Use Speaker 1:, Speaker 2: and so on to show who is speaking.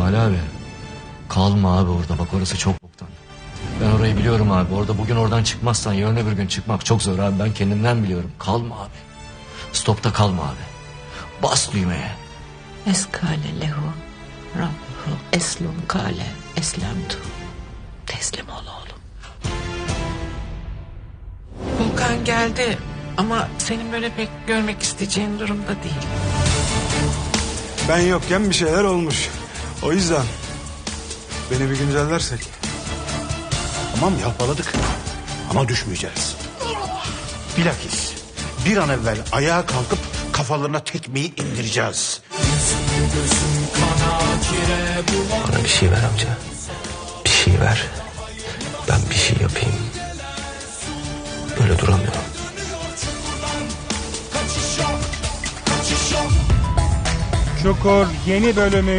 Speaker 1: İsmail abi. Kalma abi orada, bak orası çok boktan. Ben orayı biliyorum abi. Orada bugün oradan çıkmazsan yarın öbür gün çıkmak çok zor abi. Ben kendimden biliyorum. Kalma abi. Stopta kalma abi. Bas düğmeye.
Speaker 2: Eskale lehu Rabbuhu eslum kale eslemtu. Teslim ol oğlum. Volkan geldi ama senin böyle pek görmek isteyeceğin durumda değil.
Speaker 3: Ben yokken bir şeyler olmuş. O yüzden beni bir güncellersek.
Speaker 4: Tamam yalpaladık ama düşmeyeceğiz. Bilakis bir an evvel ayağa kalkıp kafalarına tekmeyi indireceğiz.
Speaker 1: Bana bir şey ver amca. Bir şey ver. Ben bir şey yapayım. Böyle duramıyorum.
Speaker 5: Çukur yeni bölümü